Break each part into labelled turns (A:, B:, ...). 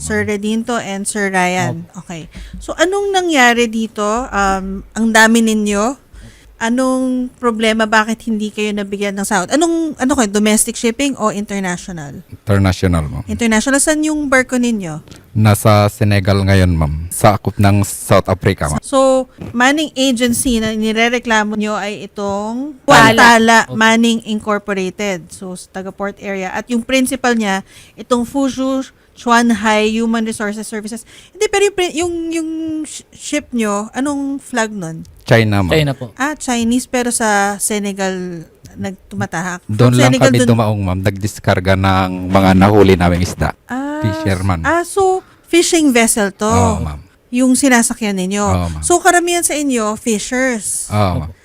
A: Sir Redinto and Sir Ryan. Okay. So, anong nangyari dito? Ang dami ninyo. Anong problema? Bakit hindi kayo nabigyan ng sahod? Ano kayo? Domestic shipping o international?
B: International, ma'am.
A: International. Saan yung barko ninyo?
B: Nasa Senegal ngayon, ma'am. Sa akop ng South Africa, ma'am.
A: So, Manning Agency na nirereklamo nyo ay itong Wantala Manning Incorporated. So, sa taga-port area. At yung principal niya, itong Fuzhou Chuanhai Human Resources Services. Hindi, pero yung ship nyo, anong flag nun?
B: China, ma'am.
C: China po.
A: Chinese pero sa Senegal nagtumatahak.
B: Doon lang kami dumaong, ma'am. Nagdiskarga ng mga nahuli naming isda. Fisherman.
A: So fishing vessel to.
B: Oo, ma'am.
A: Yung sinasakyan ninyo.
B: Oo, ma'am.
A: So karamihan sa inyo, fishers.
B: Oo, ma'am.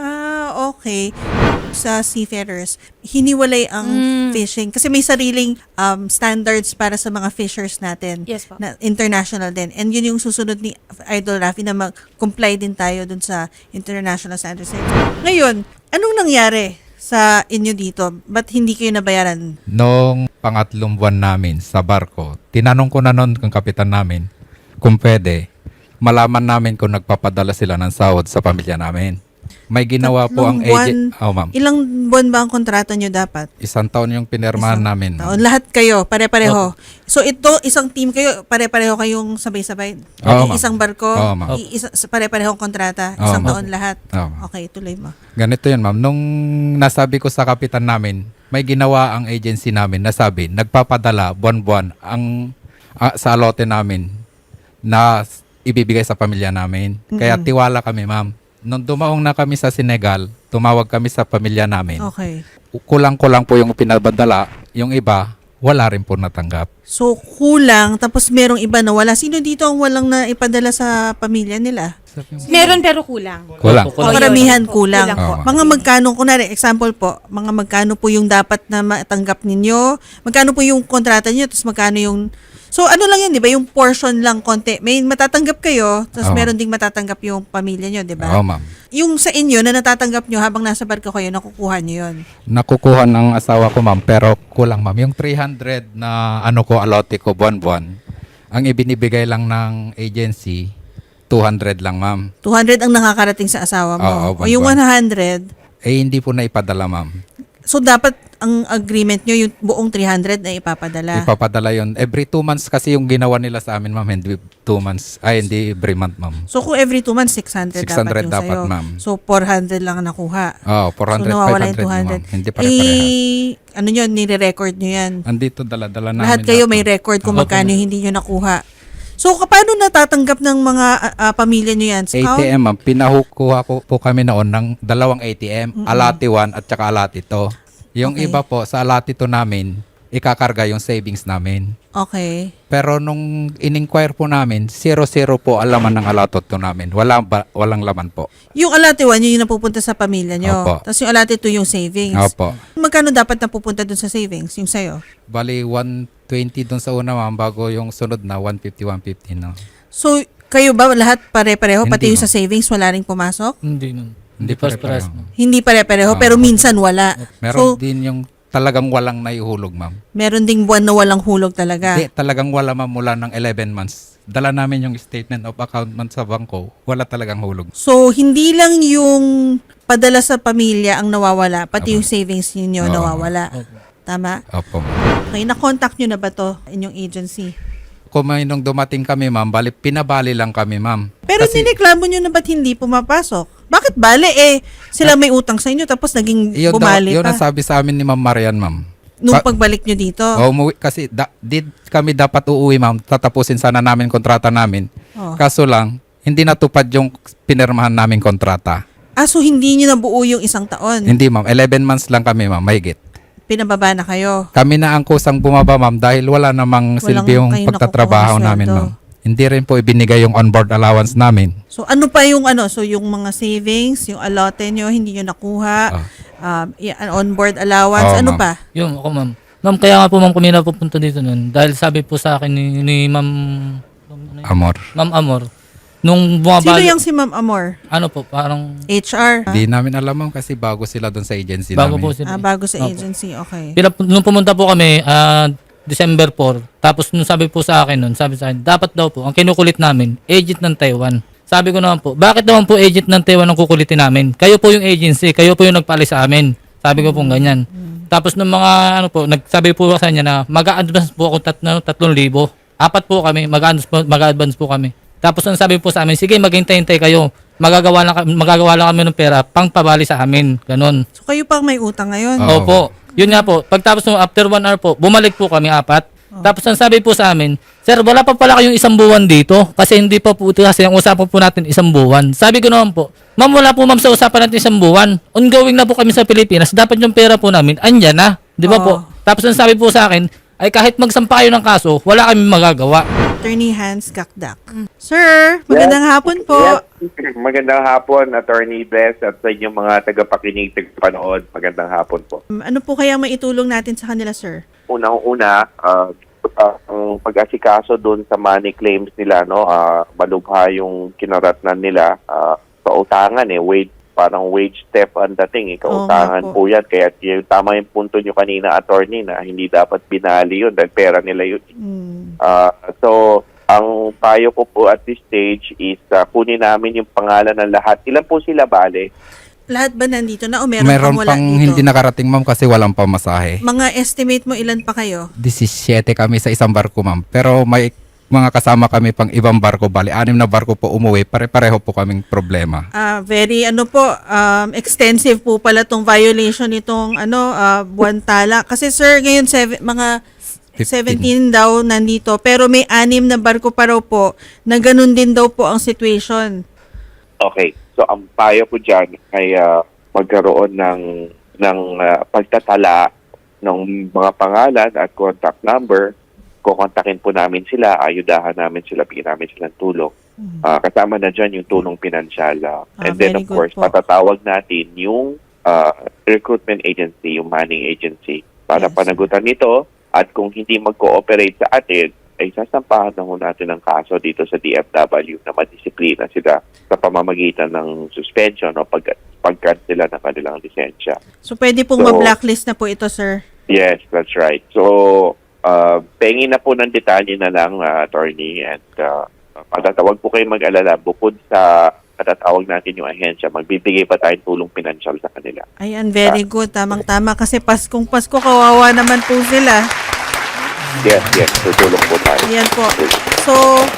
A: Okay. Sa seafarers, hiniwalay ang fishing. Kasi may sariling standards para sa mga fishers natin.
D: Yes po.
A: Na international din. And yun yung susunod ni Idol Rafi na mag-comply din tayo dun sa international standards. Ngayon, anong nangyari sa inyo dito? Ba't hindi kayo nabayaran?
B: Noong pangatlong buwan namin sa barko, tinanong ko na noon kung kapitan namin kung pwede, malaman namin kung nagpapadala sila ng sahod sa pamilya namin. May ginawa po ang agent. Oh, ma'am.
A: Ilang buwan ba ang kontrata nyo dapat?
B: 1 taon yung pinirmahan namin.
A: Taon. Lahat kayo, pare-pareho. So ito, isang team kayo, pare-pareho kayong sabay-sabay?
B: Oo, ma'am.
A: Isang barko,
B: Oo, ma'am.
A: pare-parehong kontrata,
B: Oo,
A: isang
B: ma'am.
A: taon lahat?
B: Oo, ma'am.
A: Okay, tuloy mo.
B: Ganito yun, ma'am. Nung nasabi ko sa kapitan namin, may ginawa ang agency namin na sabi, nagpapadala buwan-buwan ang sa alote namin na ibibigay sa pamilya namin. Kaya tiwala kami, ma'am. Nung dumaong na kami sa Senegal, tumawag kami sa pamilya namin.
A: Okay.
B: Kulang-kulang po yung pinabadala. Yung iba, wala rin po natanggap.
A: So kulang, tapos merong iba na wala. Sino dito ang walang na ipadala sa pamilya nila?
D: Meron pero kulang.
B: Kulang.
A: O karamihan kulang.
B: Oo.
A: Mga magkano, kunwari, example po, mga magkano po yung dapat na matanggap ninyo? Magkano po yung kontrata niyo? Tapos magkano yung... So ano lang yan, di ba? Yung portion lang konti. May matatanggap kayo, tapos
B: Oo.
A: meron ding matatanggap yung pamilya nyo, di ba?
B: Oo, ma'am.
A: Yung sa inyo na natatanggap nyo habang nasa barko kayo, nakukuha nyo yun.
B: Nakukuha ng asawa ko, ma'am, pero kulang, ma'am. Yung 300 na alote ko buwan-buwan, ang ibinibigay lang ng agency, 200 lang, ma'am.
A: 200 ang nakakarating sa asawa mo.
B: Oo,
A: O yung 100,
B: Hindi po na ipadala, ma'am.
A: so dapat ang agreement nyo, yung buong 300 na ipapadala.
B: Ipapadala yon every 2 months kasi yung ginawa nila sa amin, ma'am. Hindi 2 months. Ay, hindi every month, ma'am.
A: So kung every 2 months, 600 dapat yung
B: dapat,
A: sa'yo.
B: ma'am.
A: So 400 lang ang nakuha.
B: Oh, 400,
A: So nawawala
B: 500,
A: yung
B: ma'am. Hindi pare-parehas.
A: ano nyo, nire-record nyo yan.
B: Andito dala-dala namin.
A: Lahat kayo may
B: ma'am.
A: record kung magkano yung hindi nyo nakuha. So paano natatanggap ng mga pamilya nyo yan?
B: ATM, ma'am. Pinahukuha ko po kami noon ng 2 ATM, Alati 1 at saka Alati 2. Yung
A: Okay.
B: iba po, sa Alati 2 namin, ikakarga yung savings namin.
A: Okay.
B: Pero nung in-inquire po namin, 0-0 po ang laman ng Alatot 2 namin. Walang laman po.
A: Yung alate 1, yun yung napupunta sa pamilya nyo.
B: Opo.
A: Tapos yung alate 2 yung savings.
B: Opo.
A: Magkano dapat napupunta dun sa savings? Yung sa'yo?
B: Bali, 120 dun sa una, ma'am, bago yung sunod na 150 na.
A: So, kayo ba lahat pare-pareho?
B: Hindi,
A: Pati yung sa
B: ma'am.
A: savings, wala ring pumasok?
C: Hindi nun.
B: Hindi
C: Pares-pares.
B: pare-pareho.
A: Hindi pare-pareho, pero minsan wala.
B: Meron
A: So,
B: din yung talagang walang naihulog, ma'am.
A: meron ding buwan na walang hulog talaga.
B: Hindi, talagang wala, ma'am, mula ng 11 months. Dala namin yung statement of account man sa bangko, wala talagang hulog.
A: So, hindi lang yung padala sa pamilya ang nawawala, pati yung savings ninyo
B: Oo.
A: nawawala. Tama?
B: Opo.
A: Okay, na-contact nyo na ba to inyong agency?
B: Kung may nung dumating kami, ma'am, pinabali lang kami, ma'am.
A: Pero nireklamo nyo na ba't hindi pumapasok? Bakit bale sila may utang sa inyo tapos naging bumali
B: Yun
A: pa
B: ang sabi sa amin ni Ma'am Marian, ma'am.
A: nung pagbalik nyo dito?
B: Umuwi, kasi kami dapat uuwi, ma'am. Tatapusin sana namin kontrata namin.
A: Oh.
B: Kaso lang, hindi natupad yung pinirmahan namin kontrata.
A: So hindi nyo nabuo yung isang taon?
B: Hindi, ma'am. 11 months lang kami, ma'am. Mahigit.
A: Pinababa na kayo?
B: Kami na ang kusang bumaba, ma'am, dahil wala namang silbi yung
A: kayong
B: pagtatrabaho
A: nakukuha na
B: namin,
A: sweldo.
B: ma'am. Hindi rin po ibinigay yung onboard allowance namin.
A: So ano pa yung So yung mga savings, yung allotted nyo, hindi nyo nakuha, on-board allowance,
B: Oo,
A: ano
B: ma'am.
A: pa?
C: Yung ako, ma'am. Ma'am, kaya nga po, ma'am, kami napupunta dito nun. Dahil sabi po sa akin ni Ma'am...
B: Amor.
C: Ma'am Amor. Nung
A: Sino
C: bumabalik...
A: yung si Ma'am Amor?
C: Ano po, parang...
A: HR?
B: Hindi namin alam, ma'am, kasi bago sila doon sa agency
C: Bago
B: namin.
C: po sila.
A: Bago sa
C: Opo.
A: agency, okay.
C: Nung pumunta po kami, December 4. Tapos nung sabi po sa akin nun, sabi sa akin, dapat daw po, ang kinukulit namin, agent ng Taiwan. Sabi ko naman po, bakit naman po agent ng Taiwan ang kukulitin namin? Kayo po yung agency, kayo po yung nagpaalis sa amin. Sabi ko po ganyan. Tapos nung mga ano po, nagsabi po sa kanya na mag-a-advance po ako 3,000. 4 po kami, mag-a-advance po kami. Tapos ang sabi po sa amin, sige maghintay-hintay kayo. Magagawa lang kami ng pera pang pabali sa amin. Ganon.
A: So kayo pang may utang ngayon?
B: Oo.
C: Opo. Yun nga po. Pagtapos ng after 1 hour po, bumalik po kami 4. Tapos ang sabi po sa amin, sir, wala pa pala kayong 1 buwan dito. Kasi hindi pa po, kasi ang usapan po natin 1 buwan. Sabi ko naman po, ma'am, wala po ma'am sa usapan natin 1 buwan. Ongoing na po kami sa Pilipinas. Dapat yung pera po namin, andyan na. Di ba po? Tapos ang sabi po sa akin, ay kahit magsampa kayo ng kaso, wala kami magagawa.
A: Attorney Hans Kakdak. Sir, magandang hapon po.
E: Yes. Magandang hapon, Attorney Bless, at sa inyong mga tagapakinig, tagapanood. Magandang hapon po.
A: Ano po kaya maitulong natin sa kanila, sir?
E: Unang-una, ang pag-asikaso doon sa money claims nila, no, malubha yung kinaratnan nila sa utangan, parang wage theft ang dating, kautangan
A: Oo nga
E: po yan. Kaya yung tama yung punto nyo kanina, attorney, na hindi dapat binali yun dahil pera nila yun. So, ang payo ko po at this stage is kunin namin yung pangalan ng lahat. Ilan po sila bale?
A: Lahat ba nandito na o meron
B: Meron
A: pang wala
B: pang
A: dito?
B: hindi nakarating, ma'am, kasi walang pamasahe.
A: Mga estimate mo ilan pa kayo?
B: 17 kami sa isang barko, ma'am. Pero may mga kasama kami pang ibang barko, bali 6 na barko po umuwi, pare-pareho po kaming problema.
A: Very extensive po pala tong violation nitong buwan tala. Kasi sir, ngayon mga 17 daw nandito, pero may 6 na barko pa raw po na ganun din daw po ang situation.
E: Okay. So, ang payo ko dyan ay magkaroon ng pagtatala ng mga pangalan at contact number. Kukontakin po namin sila, ayudahan namin sila, bigyan namin silang tulong. Kasama na dyan yung tulong pinansyal. And then,
A: very
E: of course,
A: good po.
E: patatawag natin yung recruitment agency, yung manning agency, para
A: Yes.
E: panagutan nito. At kung hindi mag-cooperate sa atin, ay sasampahan na ho natin ng kaso dito sa DFW na madisiplina sila sa pamamagitan ng suspension o pag-cancela ng kanilang lisensya.
A: So pwede pong
E: So,
A: ma-blacklist na po ito, sir.
E: Yes, that's right. So, pengin na po ng detalye na lang, attorney, and matatawag po kayo mag-alala. Bukod sa matatawag natin yung ahensya, magbibigay pa tayong tulong pinansyal sa kanila.
A: Ayan, very good. Tamang-tama kasi Paskong Pasko, kawawa naman po sila.
E: Yes, tutulong po tayo.
A: Ayan po. So,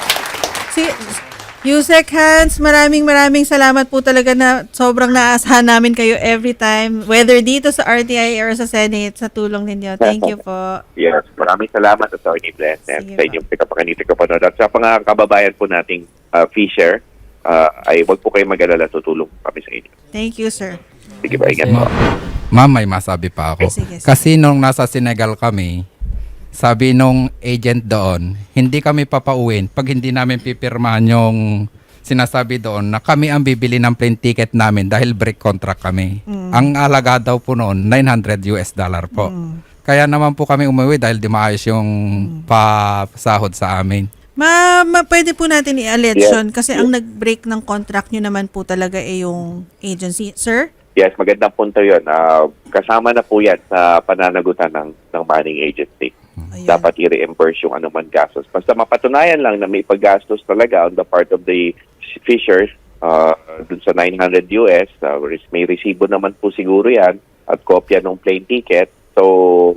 A: Yusek Hans, maraming salamat po talaga na sobrang naasahan namin kayo every time, whether dito sa RTI or sa Senate, sa tulong ninyo. Thank you po.
E: Yes, maraming salamat, Attorney Bless, and
A: Sige
E: sa inyong tagapanood. At sa mga kababayan po nating Fisher, ay wag po kayo mag-alala, tutulong kami sa inyo.
A: Thank you, sir.
E: Sige ba, ingat po.
B: Ma'am, may masabi pa ako.
A: Sige.
B: Kasi nung nasa Senegal kami, sabi nung agent doon, hindi kami papauwin pag hindi namin pipirmahan yung sinasabi doon na kami ang bibili ng plane ticket namin dahil break contract kami. Ang alaga daw po noon, $900 po. Kaya naman po kami umuwi dahil di maayos yung pasahod sa amin.
A: Pwede po natin i-allege
E: Yes.
A: yun kasi ang nag-break ng contract nyo naman po talaga ay yung agency. Sir?
E: Yes, magandang punto yun. Kasama na po yan sa pananagutan ng manning agency.
A: Ayun.
E: Dapat i-reimburse yung anuman gastos. Basta mapatunayan lang na may paggastos talaga on the part of the fishers dun sa $900, may resibo naman po siguro yan at kopya ng plane ticket. So,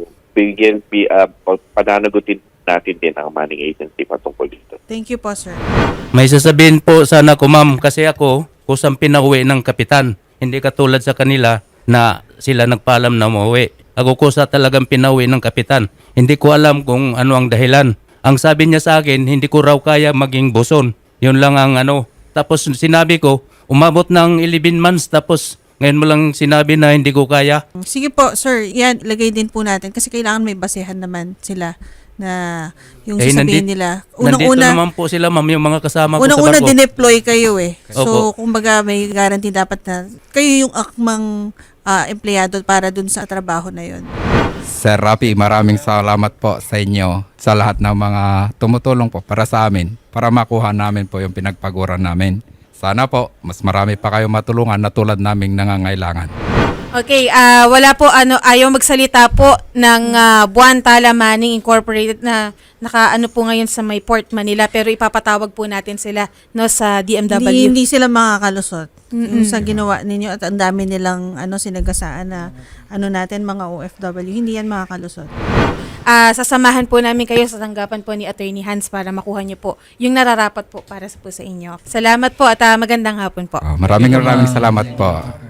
E: pananagutin natin din ang manning agency patungkol dito.
A: Thank you po, sir.
F: May sasabihin po sana ko, ma'am, kasi ako kusang pinauwi ng kapitan. Hindi katulad sa kanila na sila nagpaalam na umuwi. Ako kusa talagang pinauwi ng kapitan. Hindi ko alam kung ano ang dahilan. Ang sabi niya sa akin, hindi ko raw kaya maging buson. Yun lang ang Tapos sinabi ko, umabot ng 11 months tapos ngayon mo lang sinabi na hindi ko kaya.
A: Sige po, sir. Yan, lagay din po natin kasi kailangan may basehan naman sila na yung sasabihin nila.
F: Nandito naman po sila, ma'am, yung mga kasama ko sa
A: Unang-una,
F: barko.
A: dineploy kayo eh. So,
F: Opo.
A: kumbaga may guarantee dapat na kayo yung akmang empleyado para dun sa trabaho na yun.
B: Sir Rafi, maraming salamat po sa inyo sa lahat ng mga tumutulong po para sa amin para makuha namin po yung pinagpaguran namin. Sana po, mas marami pa kayo matulungan na tulad naming nangangailangan.
D: Okay, wala po ayaw magsalita po ng Buwan Tala Manning Incorporated na nakaano po ngayon sa may Port Manila, pero ipapatawag po natin sila no sa DMW.
A: Hindi sila makakalusot. Yung sa ginawa ninyo at ang dami nilang sinagasaan na natin mga OFW, hindi yan makakalusot.
D: Sasamahan po namin kayo sa tanggapan po ni Attorney Hans para makuha niyo po yung nararapat po para sa inyo. Salamat po at magandang hapon po.
B: Maraming salamat po.